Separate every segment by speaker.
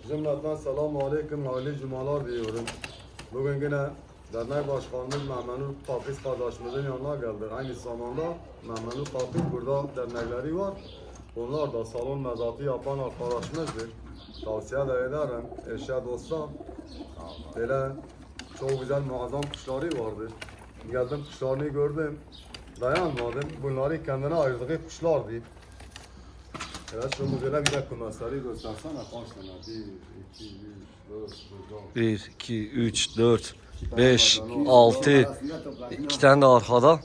Speaker 1: Cümleten selamun aleyküm, hayırlı cumalar diyorum. Bugün yine dernek başkanımız Memnun Papiz kardeşimizin yanına geldik. Aynı zamanda Memnun Papiz burada dernekleri var. Onlar da salon mezatı yapan arkadaşımızdır. Tavsiye de ederim, eşya dostlar. Böyle çok güzel muazzam kuşları vardı. Geldim kuşlarını gördüm. Dayanmadım. Bunları kendine ayırdığı kuşlardı. Evet, şu modele bir de kümesleri göstersene kaç tane?
Speaker 2: 1, 2, 3, 4, 5, 6, 2 tane de arkada.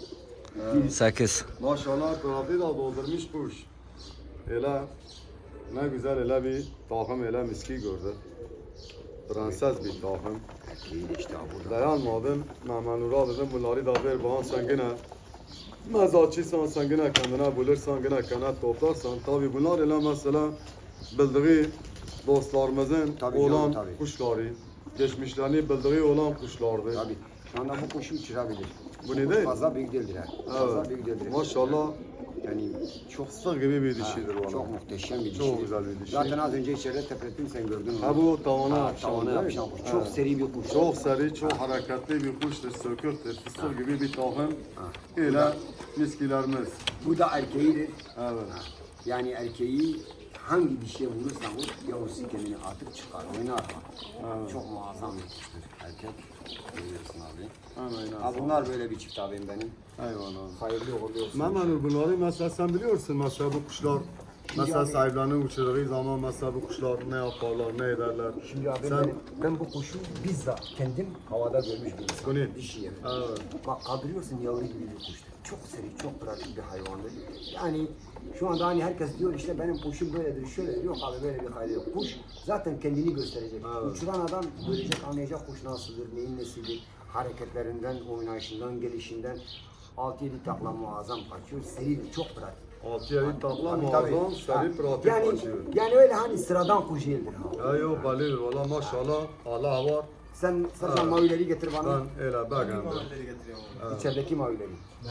Speaker 2: 8.
Speaker 1: Maşallah trafiği de doldurmuş kuş. Hele ne güzel hele bir takım hele miski gördü. Prenses bir takım.
Speaker 3: İşte burada.
Speaker 1: Dayanmadım. Memnun'a dedim bunları da ver bana sen gene mezatçıysan sen gene kendine bulursan gene kendine toplarsan. Tabi bunlar hele mesela bildiği dostlarımızın
Speaker 3: Tabii
Speaker 1: olan
Speaker 3: canım, tabii.
Speaker 1: kuşları. Geçmişlerini bildiği olan kuşlardı.
Speaker 3: Tabii. Şu anda bu kuşu uçurabilir.
Speaker 1: Bu ne
Speaker 3: Kuş
Speaker 1: değil?
Speaker 3: fazla büyük değildir ha. Fazla
Speaker 1: Evet.
Speaker 3: büyük değildir.
Speaker 1: Maşallah
Speaker 3: Yani çok
Speaker 1: fıstık gibi bir dişidir valla.
Speaker 3: çok muhteşem bir dişi.
Speaker 1: Çok güzel bir dişi.
Speaker 3: Zaten az önce içeride teprettim sen gördün mü?
Speaker 1: Ha bu tavana
Speaker 3: Ha,
Speaker 1: yapışan
Speaker 3: tavana
Speaker 1: değil mi?
Speaker 3: yapışan kuş. Çok
Speaker 1: Evet.
Speaker 3: seri bir kuş.
Speaker 1: Çok seri, çok hareketli bir kuştur, sökürtür, fıstık gibi bir takım. Öyle miskilerimiz.
Speaker 3: Bu da erkeğidir.
Speaker 1: Evet.
Speaker 3: Yani erkeği hangi dişiye vurursan vur, yavrusu kendini atıp çıkar, oynar.
Speaker 1: Evet.
Speaker 3: Çok muazzam bir kuştur erkek. Görüyorsun abi.
Speaker 1: Hemen
Speaker 3: Ha, bunlar böyle bir çift abim benim.
Speaker 1: Eyvallah.
Speaker 3: Hayırlı uğurlu olsun.
Speaker 1: Memnun bunları mesela sen biliyorsun mesela bu kuşlar mesela
Speaker 3: abi-
Speaker 1: sahiplerini uçurduğu zaman mesela bu kuşlar ne yaparlar, ne ederler.
Speaker 3: Şimdi abi
Speaker 1: sen
Speaker 3: ben bu kuşu bizzat kendim havada görmüş bir insanım.
Speaker 1: Bu ne?
Speaker 3: Dişi yeri.
Speaker 1: Evet.
Speaker 3: Bak kaldırıyorsun yavru gibi bir kuştur. Çok seri, çok pratik bir hayvandır. Yani şu anda hani herkes diyor işte benim kuşum böyledir, şöyledir. Yok abi böyle bir hayli yok. Kuş zaten kendini gösterecek.
Speaker 1: Evet.
Speaker 3: Uçuran adam görecek, anlayacak kuş nasıldır, neyin nesidir. Hareketlerinden, oynayışından, gelişinden 6-7 takla muazzam kaçıyor. Seridir, çok pratik.
Speaker 1: 6-7 takla
Speaker 3: Tabii,
Speaker 1: muazzam,
Speaker 3: tabii.
Speaker 1: seri
Speaker 3: Ha,
Speaker 1: pratik
Speaker 3: yani,
Speaker 1: kaçıyor.
Speaker 3: yani öyle hani sıradan kuş değildir. Ha.
Speaker 1: Ya yok bellidir valla maşallah Allah var.
Speaker 3: Sen sadece
Speaker 1: Evet.
Speaker 3: mavileri getir bana.
Speaker 1: Ben öyle beğendim.
Speaker 3: İçerideki mavileri.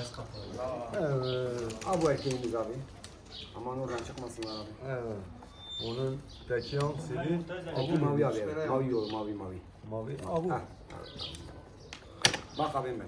Speaker 1: Evet.
Speaker 3: Ha bu erkeğimiz abi. Aman oradan çıkmasınlar abi.
Speaker 1: Evet. Onun teki hangisiydi?
Speaker 3: Teki mavi abi. Evet. Mavi yol, mavi mavi.
Speaker 1: Mavi. Abu.
Speaker 3: Ha. Bak abim ben.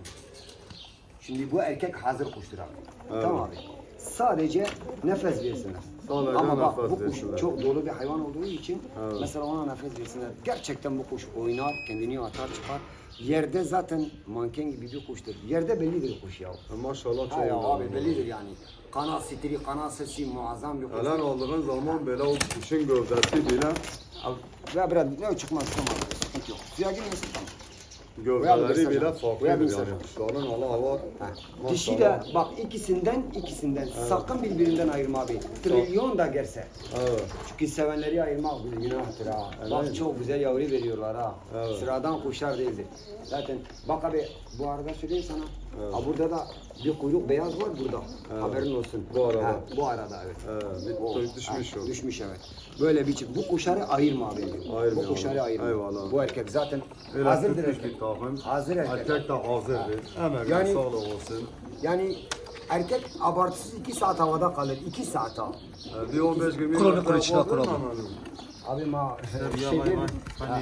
Speaker 3: Şimdi bu erkek hazır kuştur abi.
Speaker 1: Evet.
Speaker 3: Tamam abi. Sadece nefes versinler.
Speaker 1: Sadece
Speaker 3: Ama bak
Speaker 1: nefes
Speaker 3: bu kuş
Speaker 1: versinler.
Speaker 3: çok dolu bir hayvan olduğu için
Speaker 1: Evet.
Speaker 3: mesela ona nefes versinler. Gerçekten bu kuş oynar, kendini atar çıkar. Yerde zaten manken gibi bir kuştur. Yerde bellidir kuş ya.
Speaker 1: Maşallah çok
Speaker 3: Ha ya
Speaker 1: güzel.
Speaker 3: abi bellidir yani. Kanat stili, kanat sesi muazzam bir kuş.
Speaker 1: Helen aldığın zaman böyle o kuşun gövdesi bile
Speaker 3: Abi, ya biraz ne çıkmaz tamam abi, sıkıntı yok. Suya girmesin tamam.
Speaker 1: gövdeleri bile
Speaker 3: Buraya
Speaker 1: farklıdır
Speaker 3: bir
Speaker 1: yani.
Speaker 3: mesaj.
Speaker 1: Kuşların Allah var.
Speaker 3: Ha.
Speaker 1: Maşallah.
Speaker 3: Dişi de bak ikisinden sakın birbirinden ayırma abi. Trilyon da gelse.
Speaker 1: Evet.
Speaker 3: Çünkü sevenleri ayırmak bir günahtır ha.
Speaker 1: Evet.
Speaker 3: Bak çok güzel yavru veriyorlar ha.
Speaker 1: Evet.
Speaker 3: Sıradan kuşlar değildir. Zaten bak abi bu arada söyleyeyim sana.
Speaker 1: Evet.
Speaker 3: Ha, burada da bir kuyruk beyaz var burada.
Speaker 1: Evet.
Speaker 3: Haberin olsun.
Speaker 1: Bu arada.
Speaker 3: Ha, bu arada evet.
Speaker 1: Evet.
Speaker 3: O,
Speaker 1: Düşmüş
Speaker 3: ha,
Speaker 1: o.
Speaker 3: Düşmüş evet. Böyle bir çift. Bu kuşları ayırma abi.
Speaker 1: Ayırma
Speaker 3: Bu kuşları
Speaker 1: abi.
Speaker 3: ayırma.
Speaker 1: Eyvallah.
Speaker 3: Bu erkek zaten
Speaker 1: Öyle
Speaker 3: hazırdır
Speaker 1: tutmuş
Speaker 3: erkek.
Speaker 1: bir takım.
Speaker 3: Hazır erkek.
Speaker 1: Erkek de hazırdır. Emeğine
Speaker 3: Yani-
Speaker 1: sağlık olsun.
Speaker 3: Yani erkek abartısız 2 saat havada kalır. 2 saat ha.
Speaker 1: Bir 15-20
Speaker 2: Kur'an'ı
Speaker 1: dakika
Speaker 2: içine
Speaker 1: yapabilir
Speaker 2: kuralım.
Speaker 1: mi Memnun?
Speaker 3: Abi değil mi? Ha.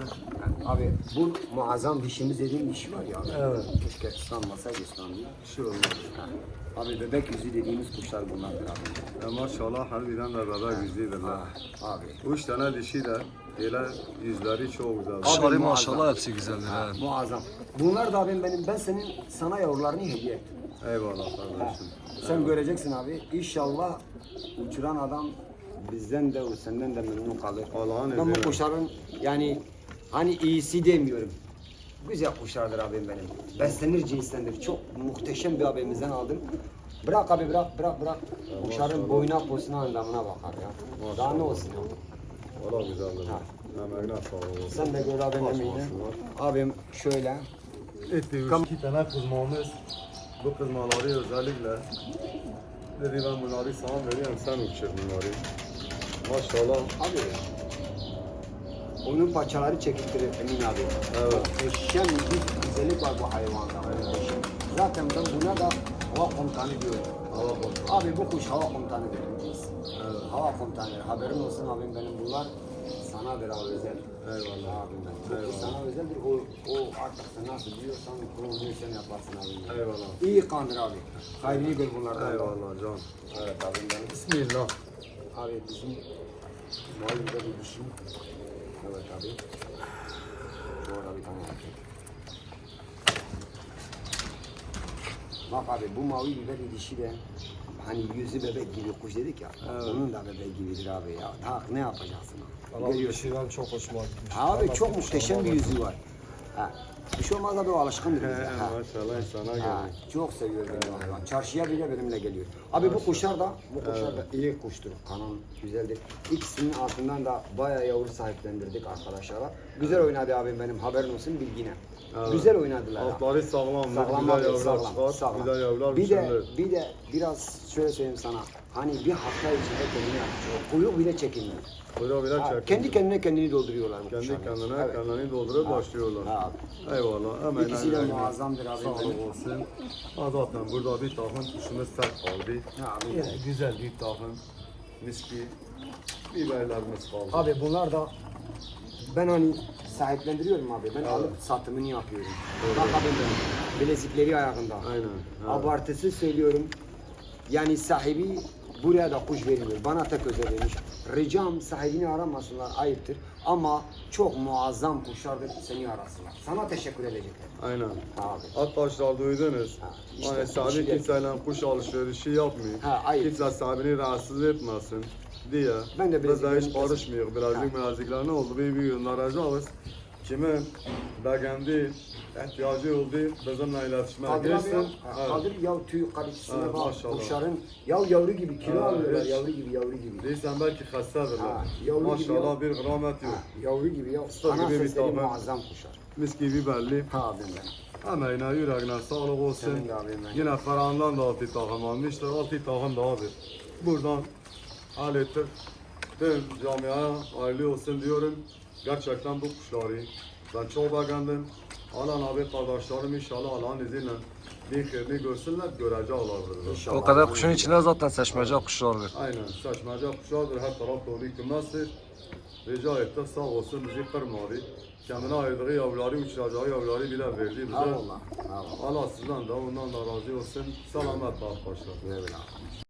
Speaker 3: Abi bu muazzam dişimiz dediğim dişi var ya.
Speaker 1: Evet.
Speaker 3: Keşke ıslanmasaydı ıslandı.
Speaker 1: Bir şey olmaz.
Speaker 3: Ha. Abi bebek yüzü dediğimiz kuşlar bunlardır abi.
Speaker 1: Ya maşallah harbiden de bebek yüzlüdürler.
Speaker 3: Ah, abi.
Speaker 1: 3 tane dişi de böyle yüzleri çok güzel.
Speaker 2: Kuşları
Speaker 3: muazzam.
Speaker 2: maşallah hepsi güzeldir.
Speaker 3: Ha,
Speaker 2: Ha.
Speaker 3: muazzam. Bunlar da abim ben senin sana yavrularını hediye ettim.
Speaker 1: Eyvallah kardeşim.
Speaker 3: Sen göreceksin abi. İnşallah uçuran adam bizden de senden de memnun kalır.
Speaker 1: Allah'ın
Speaker 3: Ben bu
Speaker 1: izniyle.
Speaker 3: kuşların yani hani iyisi demiyorum. Güzel kuşlardır abim benim. Beslenir cinstendir. Çok muhteşem bir abimizden aldım. Bırak abi bırak. Kuşların boyuna posuna anlamına bakar ya. Daha ne olsun ya.
Speaker 1: Valla güzeldir.
Speaker 3: Ha.
Speaker 1: Emeğine sağlık olsun.
Speaker 3: Sen de gör abim
Speaker 1: Baş
Speaker 3: emeğini.
Speaker 1: olsunlar.
Speaker 3: Abim şöyle.
Speaker 1: Etti 2 tane kızmamız. Bu kızmaları özellikle dedi ben bunları sana veriyorum sen uçur bunları. Maşallah.
Speaker 3: Abi onun paçaları çekildirir Emin abi.
Speaker 1: Evet.
Speaker 3: Muhteşem bir güzellik var bu hayvanda. Muhteşem. Zaten ben buna da hava komutanı diyorum.
Speaker 1: Allah korusun.
Speaker 3: Abi bu kuş hava komutanıdır.
Speaker 1: Evet.
Speaker 3: Hava komutanı. Haberin olsun abim benim bunlar. sanadır abi özel.
Speaker 1: Eyvallah.
Speaker 3: Abim benim.
Speaker 1: Eyvallah.
Speaker 3: Sana özeldir. O artık sen nasıl diyorsan onu sen yaparsın abim benim.
Speaker 1: Eyvallah.
Speaker 3: İyi kandır abi. Hayrını gör bunlardan. da.
Speaker 1: Eyvallah can.
Speaker 3: Evet abim benim.
Speaker 1: Bismillah.
Speaker 3: Abi bizim mahallede bir dişim. Evet abi. Şu orada bir tane erkek. Bak abi bu mavi biber dişi de hani yüzü bebek gibi kuş dedik ya.
Speaker 1: Evet.
Speaker 3: Onun da bebek gibidir abi ya. Tak ne yapacaksın?
Speaker 4: Valla bu
Speaker 3: Görüyorsun.
Speaker 4: dişiden çok hoşuma gitmiş.
Speaker 3: Abi
Speaker 4: Valla
Speaker 3: çok muhteşem bir yüzü var. Ha. Bir şey olmaz abi o alışkındır bize. Ha.
Speaker 1: Maşallah insana
Speaker 3: Ha,
Speaker 1: geldi.
Speaker 3: çok seviyor benim hayvan. Çarşıya bile benimle geliyor. Abi bu kuşlar da iyi kuştur. Kanal güzeldir. İkisinin altından da bayağı yavru sahiplendirdik arkadaşlara. Güzel oynadı abim benim haberin olsun bilgine.
Speaker 1: Evet.
Speaker 3: Güzel oynadılar. ha.
Speaker 1: Altları sağlam.
Speaker 3: Sağlam
Speaker 1: Güzel
Speaker 3: abi,
Speaker 1: yavrular
Speaker 3: sağlam,
Speaker 1: çıkar.
Speaker 3: sağlam.
Speaker 1: Güzel yavrular
Speaker 3: Bir de,
Speaker 1: mükemmel.
Speaker 3: bir de biraz şöyle söyleyeyim sana. Hani bir hafta içinde kendini yapıyor. Kuyruk bile çekilmiyor.
Speaker 1: Buyurun bile
Speaker 3: Ha,
Speaker 1: çekin.
Speaker 3: kendi kendine kendini dolduruyorlar bu
Speaker 1: Kendi
Speaker 3: kuşlar.
Speaker 1: kendine
Speaker 3: Evet.
Speaker 1: kendini doldurup
Speaker 3: Ha.
Speaker 1: başlıyorlar.
Speaker 3: Ha.
Speaker 1: Eyvallah. Hemen
Speaker 3: İkisi de
Speaker 1: hemen.
Speaker 3: muazzamdır abi.
Speaker 1: Sağlık olsun. Ha, zaten burada bir takım kuşumuz sert kaldı.
Speaker 3: Ha, abi.
Speaker 1: Yine güzel bir takım miski biberlerimiz kaldı.
Speaker 3: Abi bunlar da ben hani sahiplendiriyorum abi. Ben
Speaker 1: Evet.
Speaker 3: alıp satımını yapıyorum. Bak abi benim bilezikleri ayağında.
Speaker 1: Aynen. Ha.
Speaker 3: Abartısı söylüyorum. Yani sahibi buraya da kuş vermiyor. Bana tek özel vermiş. Ricam sahibini aramasınlar ayıptır. Ama çok muazzam kuşlardır seni arasınlar. Sana teşekkür edecekler.
Speaker 1: Aynen.
Speaker 3: Abi.
Speaker 1: Arkadaşlar duydunuz.
Speaker 3: Ha, işte
Speaker 1: Hani sahibi
Speaker 3: kuşu
Speaker 1: kimseyle kuş alışverişi yapmıyor.
Speaker 3: Ha, ayıp.
Speaker 1: Kimse sahibini rahatsız etmesin diye.
Speaker 3: Ben de
Speaker 1: Biz de hiç
Speaker 3: bileziklerimi-
Speaker 1: karışmıyor. Birazcık ne oldu? Bir göndereceğiz. Kimin beğendi, ihtiyacı oldu bizimle iletişime
Speaker 3: Kaldır abi ya.
Speaker 1: geçsin.
Speaker 3: Ha,
Speaker 1: Evet.
Speaker 3: kaldır ya tüy kalitesine
Speaker 1: Evet,
Speaker 3: bak.
Speaker 1: maşallah.
Speaker 3: Kuşların ya yavru gibi kilo
Speaker 1: Ha,
Speaker 3: alıyorlar.
Speaker 1: hiç.
Speaker 3: Yavru gibi yavru gibi.
Speaker 1: Değilsen belki hastadır.
Speaker 3: Ha, yavru gibi
Speaker 1: Maşallah
Speaker 3: ya.
Speaker 1: bir gramet yok.
Speaker 3: Ha, yavru gibi ya.
Speaker 1: Usta
Speaker 3: Ana
Speaker 1: gibi bir
Speaker 3: sesleri
Speaker 1: tane.
Speaker 3: muazzam kuşlar.
Speaker 1: Mis gibi belli.
Speaker 3: Ha abim benim.
Speaker 1: Emeğine, yüreğine sağlık olsun.
Speaker 3: Senin de abim benim.
Speaker 1: Yine Ferhan'dan da 6 takım almıştır. 6 takım dahadır. Buradan hallettik. Tüm camiaya hayırlı olsun diyorum. Gerçekten bu kuşları ben çok beğendim. Alan abi kardeşlerim inşallah Allah'ın izniyle bir kırını görsünler, göreceklerdir.
Speaker 3: İnşallah.
Speaker 2: O kadar kuşun içinde zaten seçmece kuşlardır.
Speaker 1: Aynen, saçmaca kuşlardır, her taraf dolu kümestir. Rica ettik, sağ olsun bizi kırmadı. Kendine ayırdığı yavruları, uçuracağı yavruları bile verdi bize.
Speaker 3: Allah. Allah.
Speaker 1: Allah sizden de ondan da razı olsun. Selametle arkadaşlar.
Speaker 3: Güle güle.